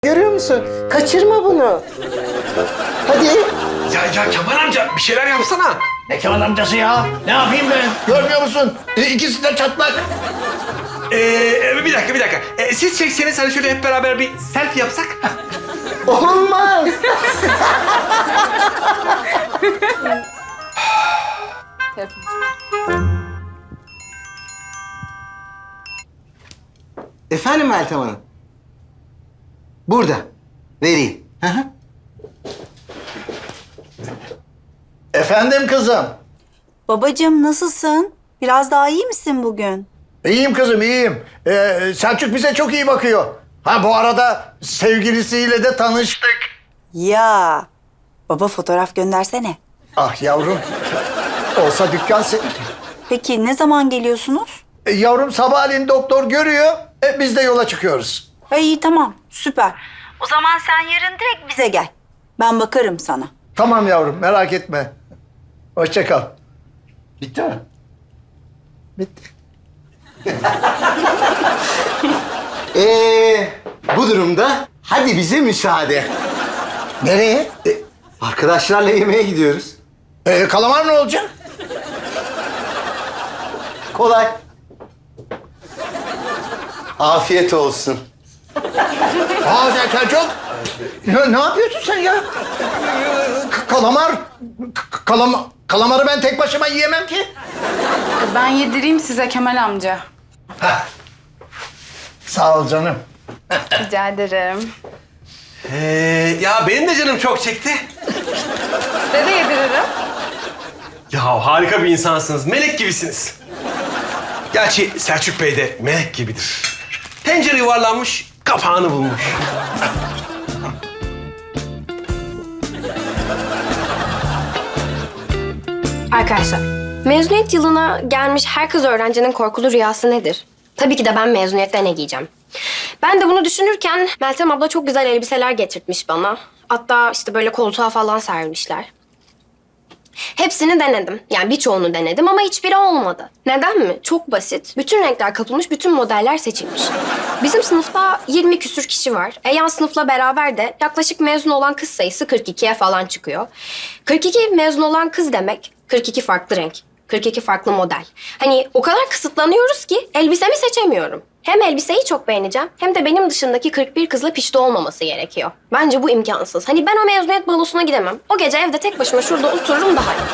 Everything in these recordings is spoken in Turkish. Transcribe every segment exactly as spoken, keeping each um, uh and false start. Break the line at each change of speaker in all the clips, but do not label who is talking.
Görüyor musun? Kaçırma bunu. Hadi.
Ya ya Kemal amca bir şeyler yapsana.
Ne Kemal amcası ya? Ne yapayım ben? Görmüyor musun? E, İkisi de çatlak.
Ee, bir dakika bir dakika. Ee, siz çekseniz hani şöyle hep beraber bir selfie yapsak.
Olmaz. Efendim Meltem Hanım? Burada. Vereyim. Hı hı.
Efendim kızım.
Babacığım nasılsın? Biraz daha iyi misin bugün?
İyiyim kızım, iyiyim. Ee, Selçuk bize çok iyi bakıyor. Ha bu arada sevgilisiyle de tanıştık.
Ya baba fotoğraf göndersene.
Ah yavrum. Olsa dükkan senin.
Peki ne zaman geliyorsunuz?
E, yavrum sabahleyin doktor görüyor. E, biz de yola çıkıyoruz.
Ay, iyi tamam süper. O zaman sen yarın direkt bize gel. Ben bakarım sana.
Tamam yavrum, merak etme. Hoşça kal. Bitti mi? Bitti.
Ee, bu durumda hadi bize müsaade.
Nereye?
E, arkadaşlarla yemeğe gidiyoruz.
E, kalamar ne olacak?
Kolay. Afiyet olsun.
Aa sen Selçuk. Ne, ne yapıyorsun sen ya? K- kalamar. K- kalama, kalamarı ben tek başıma yiyemem ki.
Ben yedireyim size Kemal amca.
Sağ ol canım.
Rica ederim.
Ee, ya benim de canım çok çekti.
Size de yediririm.
Ya harika bir insansınız. Melek gibisiniz. Gerçi Selçuk Bey de melek gibidir. Tencere yuvarlanmış, kapağını bulmuş.
Arkadaşlar, mezuniyet yılına gelmiş her kız öğrencinin korkulu rüyası nedir? Tabii ki de ben mezuniyette ne giyeceğim. Ben de bunu düşünürken Meltem abla çok güzel elbiseler getirtmiş bana. Hatta işte böyle koltuğa falan sermişler. Hepsini denedim. Yani birçoğunu denedim ama hiçbiri olmadı. Neden mi? Çok basit. Bütün renkler kapılmış, bütün modeller seçilmiş. Bizim sınıfta yirmi küsür kişi var. E yan sınıfla beraber de yaklaşık mezun olan kız sayısı kırk ikiye falan çıkıyor. kırk iki mezun olan kız demek, kırk iki farklı renk, kırk iki farklı model. Hani o kadar kısıtlanıyoruz ki elbisemi seçemiyorum. Hem elbiseyi çok beğeneceğim hem de benim dışındaki kırk bir kızla pişti olmaması gerekiyor. Bence bu imkansız. Hani ben o mezuniyet balosuna gidemem. O gece evde tek başıma şurada otururum daha iyi.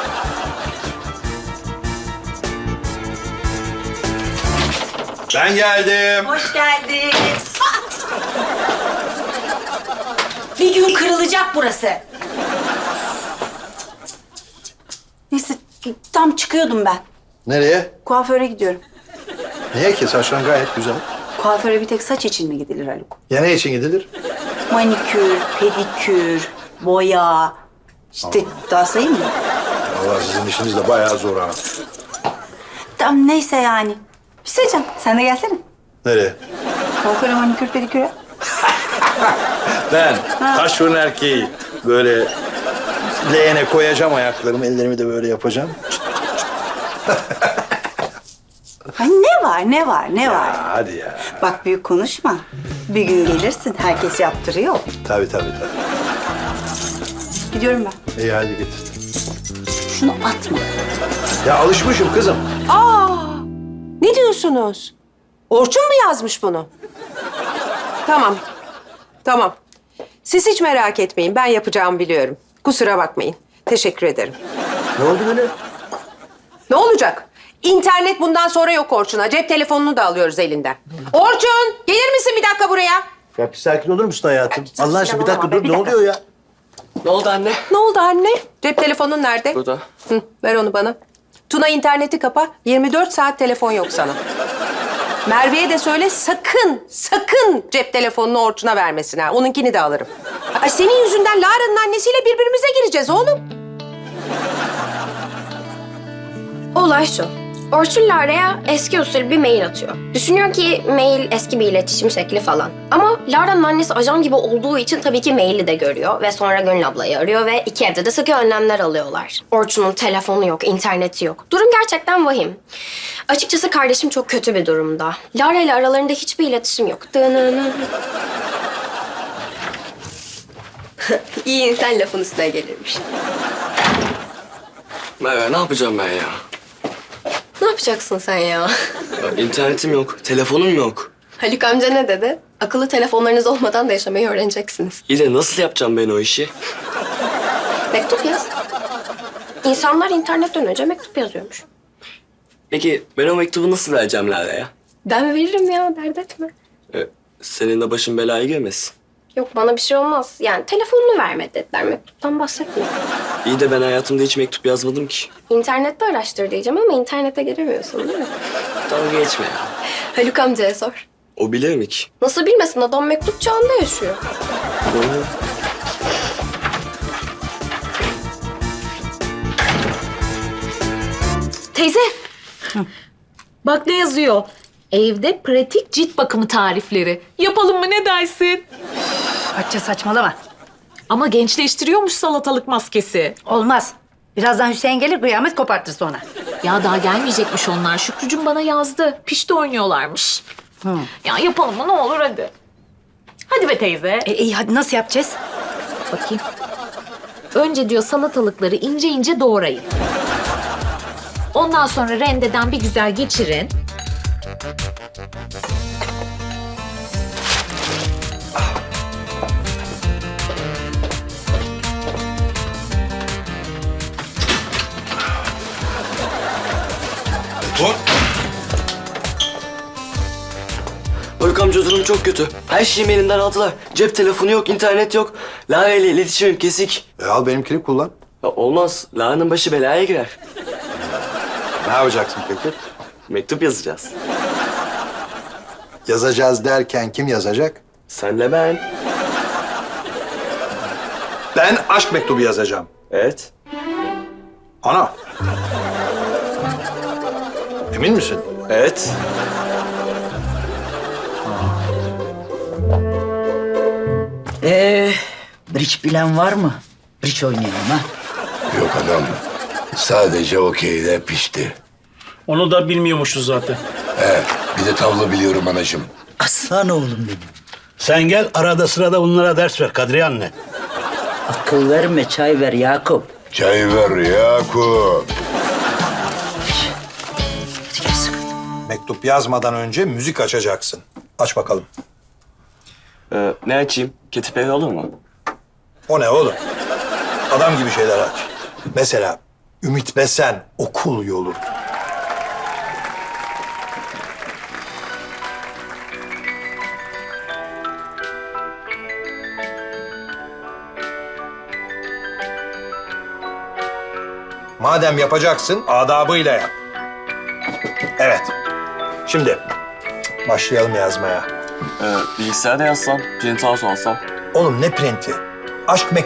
Ben geldim.
Hoş geldin. Bir gün kırılacak burası. Neyse tam çıkıyordum ben.
Nereye?
Kuaföre gidiyorum.
Niye ki? Saçların gayet güzel.
Kuaföre bir tek saç için mi gidilir Haluk?
Ya ne için gidilir?
Manikür, pedikür, boya. İşte daha sayayım mı?
Vallahi sizin işiniz de bayağı zor ha.
Tamam neyse yani. Bir şey diyeceğim. Sen de gelsene.
Nereye?
Kuaföre, manikür, pediküre.
Ben taş fırın erkeği. Böyle leğene koyacağım ayaklarımı, ellerimi de böyle yapacağım.
Ay ne var, ne var, ne var?
Ha, hadi ya.
Bak büyük konuşma. Bir gün gelirsin, herkes yaptırıyor.
Tabii tabii tabii.
Gidiyorum ben.
İyi hadi getir.
Şunu atma.
Ya alışmışım kızım.
Aa, ne diyorsunuz? Orçun mu yazmış bunu? Tamam, tamam. Siz hiç merak etmeyin, ben yapacağımı biliyorum. Kusura bakmayın, teşekkür ederim.
Ne oldu böyle?
Ne olacak? İnternet bundan sonra yok Orçun'a. Cep telefonunu da alıyoruz elinden. Orçun, gelir misin bir dakika buraya?
Ya bir sakin olur musun hayatım? Allah aşkına bir
olamam
dakika
be,
dur.
bir
Ne
dakika.
oluyor ya?
Ne oldu anne?
Ne oldu anne? Cep telefonun nerede?
Burada.
Hı, ver onu bana. Tuna interneti kapa. yirmi dört saat telefon yok sana. Merve'ye de söyle sakın, sakın cep telefonunu Orçun'a vermesin ha. Onunkini de alırım. Ay senin yüzünden Lara'nın annesiyle birbirimize gireceğiz oğlum.
Olay şu. Orçun Lara'ya eski usul bir mail atıyor. Düşünüyor ki mail eski bir iletişim şekli falan. Ama Lara'nın annesi ajan gibi olduğu için tabii ki maili de görüyor. Ve sonra Gönül ablayı arıyor ve iki evde de sıkı önlemler alıyorlar. Orçun'un telefonu yok, interneti yok. Durum gerçekten vahim. Açıkçası kardeşim çok kötü bir durumda. Lara ile aralarında hiçbir iletişim yok. Dınının. İyi insan lafın üstüne gelirmiş.
Merve ne yapacağım ben ya?
Ne yapacaksın sen ya?
Ya İnternetim yok, telefonum yok.
Haluk amca ne dedi? Akıllı telefonlarınız olmadan da yaşamayı öğreneceksiniz.
İyi de nasıl yapacağım ben o işi?
Mektup yaz. İnsanlar internetten önce mektup yazıyormuş.
Peki ben o mektubu nasıl vereceğim Lale'ye?
Ben veririm ya, dert etme.
Ee, senin de başın belaya girmesin.
Yok, bana bir şey olmaz. Yani telefonunu verme dediler, mektuptan bahsetmiyor.
İyi de ben hayatımda hiç mektup yazmadım ki.
İnternette araştır diyeceğim ama internete giremiyorsun değil mi?
Dalga geçme ya.
Haluk amcaya sor.
O bilir mi ki?
Nasıl bilmesin, adam mektup çağında yaşıyor.
Doğru.
Teyze. Bak ne yazıyor. Evde pratik cilt bakımı tarifleri. Yapalım mı, ne dersin?
Hatice saçmalama.
Ama gençleştiriyormuş salatalık maskesi.
Olmaz. Birazdan Hüseyin gelir kıyamet kopartır sonra.
Ya daha gelmeyecekmiş onlar. Şükrücüm bana yazdı. Pişti oynuyorlarmış. Ya yapalım mı, ne olur hadi. Hadi be teyze.
E, iyi hadi nasıl yapacağız?
Bakayım. Önce diyor salatalıkları ince ince doğrayın. Ondan sonra rendeden bir güzel geçirin.
Haluk amca durum çok kötü. Her şeyimi elinden aldılar. Cep telefonu yok, internet yok. Lale ile iletişimim kesik.
E al benimkini kullan.
Ya olmaz. Lale'nin başı belaya girer.
Ne yapacaksın peki?
Mektup yazacağız.
Yazacağız derken kim yazacak?
Senle ben.
Ben aşk mektubu yazacağım.
Evet.
Ana. Emin misin?
Evet.
Ee, bridge bilen var mı? Bridge oynayalım ha.
Yok adam. Sadece okeyde pişti.
Onu da bilmiyormuşuz zaten.
He, bir de tavla biliyorum anacığım.
Aslan oğlum benim.
Sen gel arada sırada bunlara ders ver Kadriye anne.
Akıl verme, çay ver Yakup.
Çay ver Yakup.
Mektup yazmadan önce müzik açacaksın. Aç bakalım.
Ee, ne açayım? Katy Perry olur mu?
O ne oğlum? Adam gibi şeyler aç. Mesela Ümit Besen, Okul Yolu. Madem yapacaksın, adabıyla yap. Evet. Şimdi başlayalım yazmaya.
Ee, bilgisayarda yazsam, print out alsam.
Oğlum ne printi? Aşk